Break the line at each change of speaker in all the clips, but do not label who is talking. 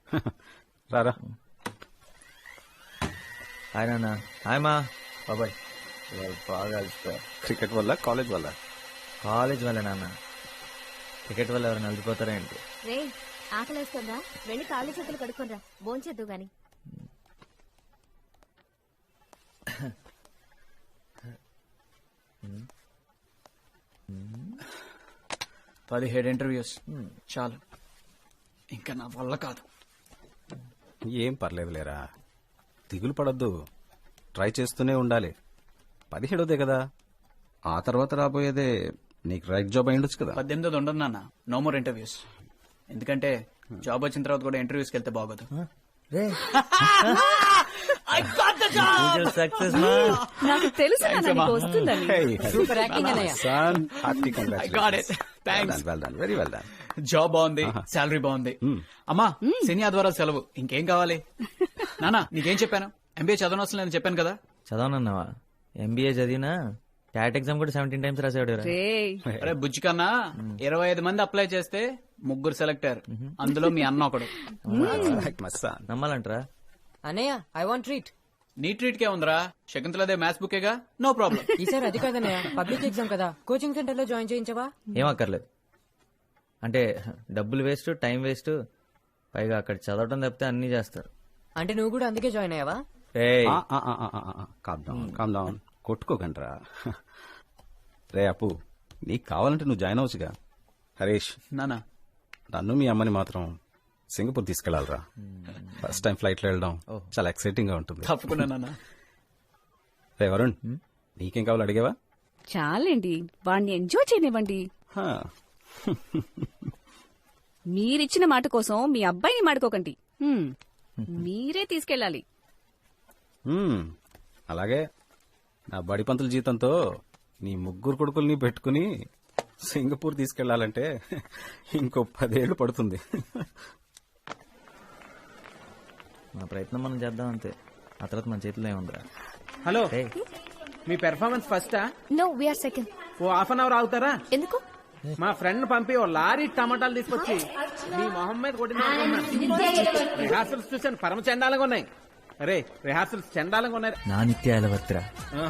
రారా.
హాయ్ నాన్న. హాయ్ మా బాబాయ్. బాగా అలసిపోయా.
క్రికెట్ వల్ల కాలేజ్ వల్ల?
కాలేజ్ వల్ల నాన్న. క్రికెట్ వల్ల ఎవరైనా అలసిపోతారా ఏంటి?
రే ఆకలేస్తుందా? వెళ్ళి కాళ్ళు చేతులు కడుక్కోరా, భోంచేద్దు గాని.
17 ఇంటర్వ్యూస్ చాలు, ఇంకా నా వల్ల కాదు.
ఏం పర్లేదు లేరా, దిగులు పడద్దు, ట్రై చేస్తూనే ఉండాలి. 17దే కదా, ఆ తర్వాత రాబోయేదే నీకు రైట్ జాబ్ అయ్యుండొచ్చు కదా.
18 ఉండదు నాన్న, నో మోర్ ఇంటర్వ్యూస్. ఎందుకంటే జాబ్ వచ్చిన తర్వాత కూడా ఇంటర్వ్యూస్కి వెళ్తే బాగోదు.
సక్సెస్
నాకు తెలుసు వస్తుందని.
సూపర్ యాక్టింగ్ అన్నయ్య. Very well done.
జాబ్ బాగుంది, శాలరీ బాగుంది. అమ్మా శని ఆదివారం సెలవు, ఇంకేం కావాలి? నానా నీకేం చెప్పాను? ఎంబీఏ చదవనవసరం లేదని చెప్పాను కదా.
చదవనన్నావా? ఎంబీఏ చదివినా క్యాట్ ఎగ్జామ్ కూడా 17 times రాసాడు.
అరే బుజ్జి కన్నా 25 మంది అప్లై చేస్తే 3 సెలెక్ట్ అయ్యారు, అందులో మీ అన్న ఒకడు.
నమ్మాలంటారా?
అన్నయ్య ఐ వాంట్ ట్రీట్.
నీ ట్రీట్ కే ఉందిరా, శకుంతలదే మ్యాథ్స్ బుకేగా, నో ప్రాబ్లం.
ఈసారి అది కాదన్నయ్య, పబ్లిక్ ఎగ్జామ్ కదా, కోచింగ్ సెంటర్ లో జాయిన్ చేయించవా?
ఏం అక్కర్లేదు. అంటే డబ్బులు వేస్ట్, టైం వేస్ట్, పైగా అక్కడ చదవటం తప్పితే అన్ని చేస్తారు.
అంటే నువ్వు కూడా అందుకే జాయిన్ అయ్యావా?
Calm down, కొట్టుకోకండ్రా. రే అప్పు, నీకు కావాలంటే నువ్వు జాయిన్ అవ్వచ్చుగా. హరీష్
నానా,
నన్ను మీ అమ్మని మాత్రం సింగపూర్ తీసుకెళ్లాలరా. ఫస్ట్ టైం ఫ్లైట్ లో వెళ్ళడం చాలా ఎక్సైటింగ్ గా ఉంటుంది.
తప్పకుండా నానా.
రే వరుణ్, నీకేం కావాలో అడిగావా?
చాలండి, వాడిని ఎంజాయ్ చేయనివ్వండి. మీరిచ్చిన మాట కోసం మీ అబ్బాయిని మాడుకోకండి. మీరే తీసుకెళ్ళాలి.
అలాగే నా బడి పంతుల జీతంతో నీ 3 కొడుకుల్ని పెట్టుకుని సింగపూర్ తీసుకెళ్లాలంటే ఇంకో 10 ఏళ్లు పడుతుంది.
మన ప్రయత్నం మనం చేద్దాం అంతే, ఆ తర్వాత మన చేతిలో ఏముందిరా.
హలో, మీ పెర్ఫార్మెన్స్ ఫస్టా?
No, we're second.
ఓ హాఫ్ అన్ అవర్ ఆగుతారా?
ఎందుకు?
మా ఫ్రెండ్ పంపి ఓ లారీ టమాటాలు తీసుకొచ్చి మీ మొహం మీద కొట్టిన రిహార్సల్స్ చూసాను, పరమ చండాలంగా ఉన్నాయి. అరే రిహార్సల్స్ చండాలంగా ఉన్నాయి.
నా నిత్యాల వర్తిరా.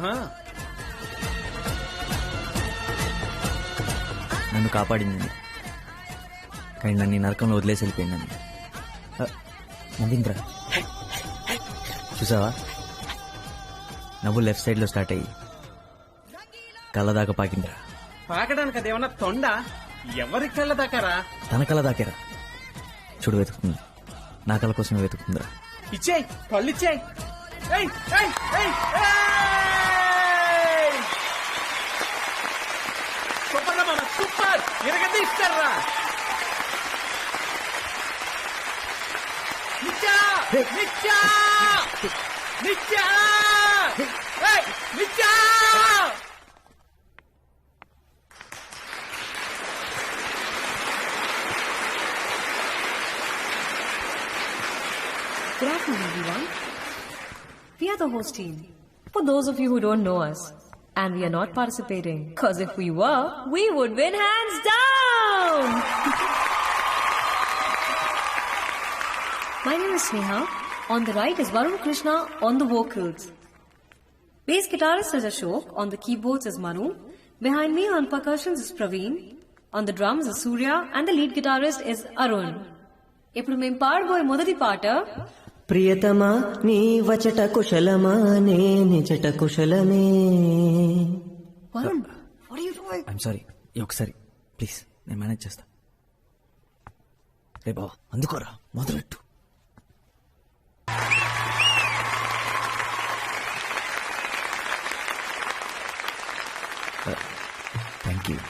నన్ను కాపాడింది, కానీ నన్ను ఈ నరకంలో వదిలేసి వెళ్ళిపోయిందని. నవ్వింద్రా, చూసావా? నవ్వు లెఫ్ట్ సైడ్ లో స్టార్ట్ అయ్యి కళ్ళ దాకా పాకిందిరా.
పాకడానికి అదేమన్నా తొండ? ఎవరి కళ్ళ దాకారా?
తన కళ్ళ దాకేరా. చూడు వెతుకుతుంది, నా కళ్ళ కోసం వెతుకుతుందిరా.
ఇచ్చేయ్, కళ్ళు ఇచ్చేయ్. సూపర్ రా మామ, సూపర్, ఎరగది ఇస్తారా? నిత్యా నిత్యా నిత్యా నిత్యా.
Good afternoon, everyone. We are the host team. For those of you who don't know us, and we are not participating, because if we were, we would win hands down! My name is Sneha. On the right is Varun Krishna on the vocals. Bass guitarist is Ashok. On the keyboards is Manu. Behind me on percussions is Praveen. On the drums is Surya. And the lead guitarist is Arun. ఇప్పుడు మేము పాడబోయే మొదటి పాట,
ప్రియతమా నీ వచట కుశలమా నే నిజట కుశలమే.
Varun, what are you doing?
I'm sorry, ఒకసారి ప్లీజ్, నేను మేనేజ్ చేస్తా. రే బావా, అందుకోరా, మొదలెట్టు. Thank you.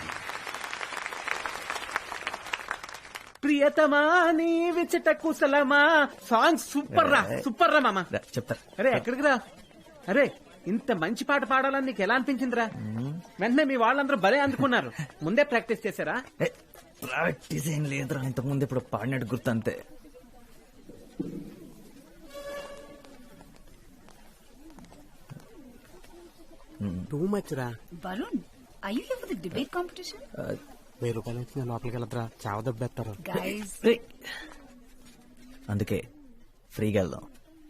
ప్రియతమా నీ విచట కుశలమా సాంగ్ సూపర్ రా, సూపర్ రా మామ.
చెప్తా.
అరే ఎక్కడికి రా? అరే ఇంత మంచి పాట పాడాలని నీకు ఎలా అనిపించిందిరా? వెంటనే మీ వాళ్ళందరూ భలే అందుకున్నారు. ముందే ప్రాక్టీస్ చేశారా?
ప్రాక్టీస్ ఏం లేదురా, ఇంతకుముందు ఇప్పుడు పాడినట్టు గుర్తు అంతే.
టూ మచ్ రా.
Varun, are you here for the debate competition?
1000 రూపాయలు ఇచ్చి లోపలికి వెళ్తారా, చావ దెబ్బేస్తారు.
Guys,
అందుకే ఫ్రీగా వెళ్దాం.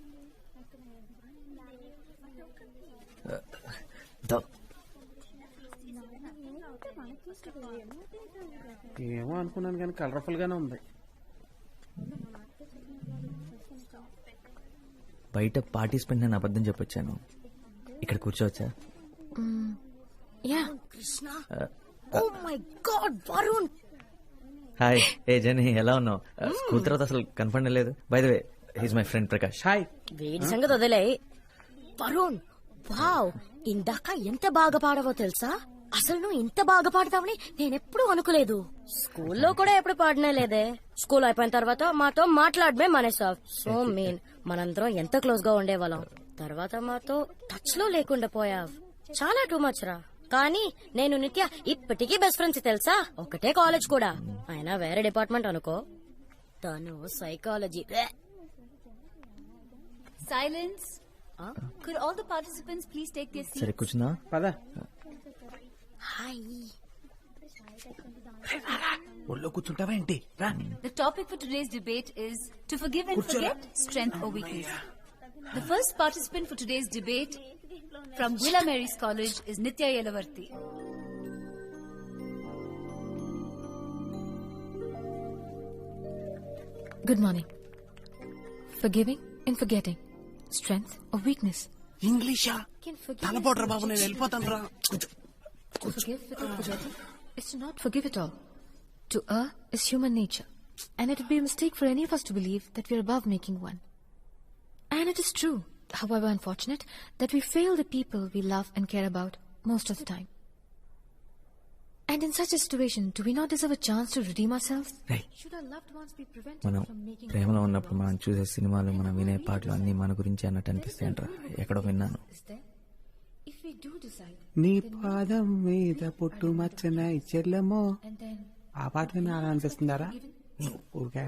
ఏమో అనుకున్నాను కానీ కలర్ఫుల్ గానే ఉంది.
బయట పార్టిసిపెంట్ నేను అబద్ధం చెప్పొచ్చాను. ఇక్కడ కూర్చోవచ్చా?
Yeah. Oh my god Varun.
Hi. ఏ జని, ఎలా ఉన్నావు? స్కూల్ తర్వాత అసలు కనపడలేదు లేదు. By the way, he's my friend Prakash.
Hi.
వేడి సంగతి వదిలే. వరుణ్, వావ్, ఇందాక ఎంత బాగా పాడవో తెలుసా? అసలు నువ్వు ఇంత బాగా పాడతావని నేనెప్పుడు అనుకోలేదు. స్కూల్లో కూడా ఎప్పుడు పాడనే లేదే. స్కూల్ అయిపోయిన తర్వాత మాతో మాట్లాడమే మానేసావు. So mean. మనందరం ఎంత క్లోజ్ గా ఉండేవాళ్ళం. తర్వాత మాతో టచ్ లో లేకుండా పోయావు. చాలా టూ మచ్ రా. కానీ నేను నిత్య ఇప్పటికీ బెస్ట్ ఫ్రెండ్స్ తెలుసా. ఒకటే కాలేజ్ కూడా, అయినా వేరే డిపార్ట్మెంట్ అనుకో. తను psychology.
Silence. Could all the participants please take their seats?
సరే కూర్చున్నా.
పద.
హాయ్.
ఒళ్ళో కూర్చుంటావా ఏంటి? రా.
The topic for today's debate is to forgive and forget, strength or weakness. The first participant for today's debate from Villa Mary's College is Nitya Yelavarthi.
Good morning. Forgiving and forgetting, strength or weakness.
ఇంగ్లీషా? తలపోట్రా బాబు, నేను వెళ్ళిపోతాను రా.
To forgive without forgetting is to not forgive at all. To err is human nature, and it would be a mistake for any of us to believe that we are above making one. And it is true, however unfortunate, that we fail the people we love and care about most of the time. And in such a situation, do we not deserve a chance to redeem ourselves? Should our loved ones be prevented
మనం
from making...
ప్రేమలో ఉన్నప్పుడు మనం చూసే సినిమాలు, మనం వినే పాటలు అన్ని మన గురించి అన్నట్టు అనిపిస్తాయంట. ఎక్కడో విన్నాను.
Is there? If we do decide,
నీ పాదం మీద పుట్టు మచ్చన చెల్లెమో,
and then
ఆ పాట విని అలా అనిపిస్తుందారా? ఊరికే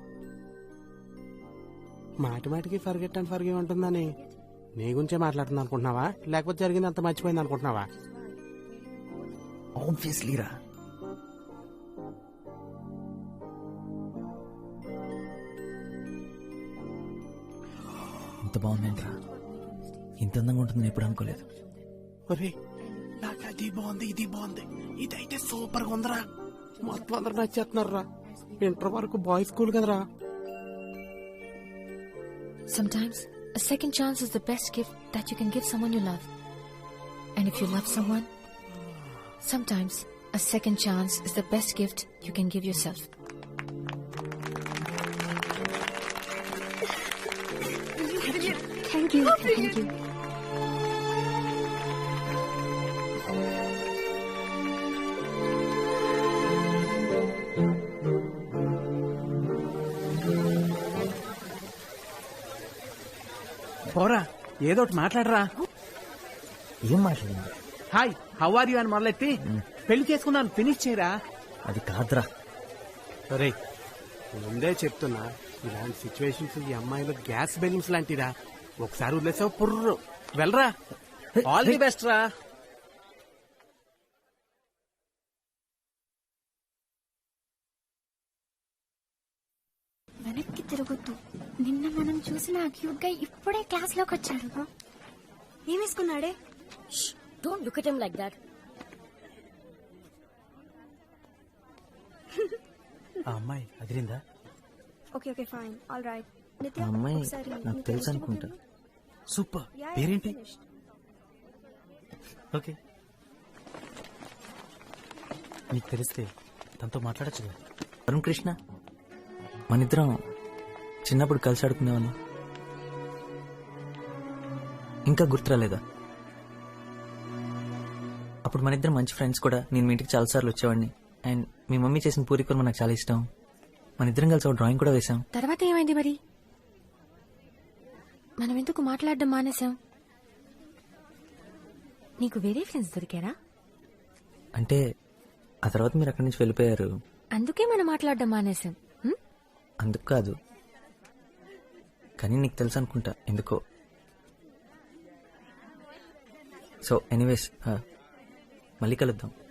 మాటి మాటికి ఫర్గెట్ అండ్ ఫర్గివ్ ఉంటుందని నీ గురించే మాట్లాడుతుంది అనుకుంటున్నావా, లేకపోతే జరిగింది అంత మర్చిపోయింది అనుకుంటున్నావా?
ఆబ్వియస్లీ రా. ఇంత బాగుందంట్రా. ఇంత అందంగా ఉంటుందని ఎప్పుడు అనుకోలేదు.
ఒరే, నాకు అది బాగుంది, ఇది బాగుంది, ఇదైతే సూపర్ గా ఉందిరా. మొత్తం అందరు నచ్చేస్తున్నారా. ఇంటర్ వరకు బాయ్స్ స్కూల్ కదరా.
sometimes a second chance is the best gift that you can give someone you love. And if you love someone, sometimes a second chance is the best gift you can give yourself.
Thank you. Thank you.
పోరా, ఏదో ఒకటి మాట్లాడరా.
ఏం మాట్లాడింది?
Hi, how are you అని మొదలెట్టి పెళ్లి చేసుకున్నాను ఫినిష్ చేయరా.
అది కాదురా.
సరే, ముందే చెప్తున్నా, ఇలాంటి సిచ్యువేషన్స్ ఈ అమ్మాయిలు గ్యాస్ బెలూన్స్ లాంటిరా. ఒకసారి వదిలేసావు పుర్రు. వెళ్ళరా. ఆల్ ది బెస్ట్ రా.
వెనక్కి తిరగొద్దు. నిన్న మనం చూసిన క్యూట్ గా ఇప్పుడే క్లాస్ లోకి వచ్చాడు. ఏమేసుకున్నాడే? Don't look at him like that.
ఆ అమ్మాయి అదిరిందా?
Okay okay fine all right.
ఆ అమ్మాయి నాకు తెలుసు అనుకుంటా.
సూపర్. పేరేంటి? ఓకే, నీకు తెలిస్తే తనతో మాట్లాడచ్చు కదా.
వరుణ్ కృష్ణ, మనిద్దరం చిన్నప్పుడు కలిసి ఆడుకునేవాళ్ళం. ఇంకా గుర్తురాలేదా? అప్పుడు మనిద్దరం మంచి ఫ్రెండ్స్ కూడా. నేను మీ ఇంటికి చాలాసార్లు వచ్చేవాడిని. అండ్ మీ మమ్మీ చేసిన పూరి కూర నాకు చాలా ఇష్టం. మనిద్దరం కలిసి ఒక డ్రాయింగ్ కూడా వేశాం.
తర్వాత ఏమైంది మరి? మనం ఎందుకు మాట్లాడడం మానేశాం? నీకు వేరే ఫ్రెండ్స్ దొరికారా?
అంటే ఆ తర్వాత మీరు అక్కడి నుంచి వెళ్ళిపోయారు.
అందుకే మనం మాట్లాడడం మానేశాం.
అందుకు కాదు, కానీ నీకు తెలుసు అనుకుంటా ఎందుకో. సో ఎనీవేస్, మళ్ళీ కలుద్దాం.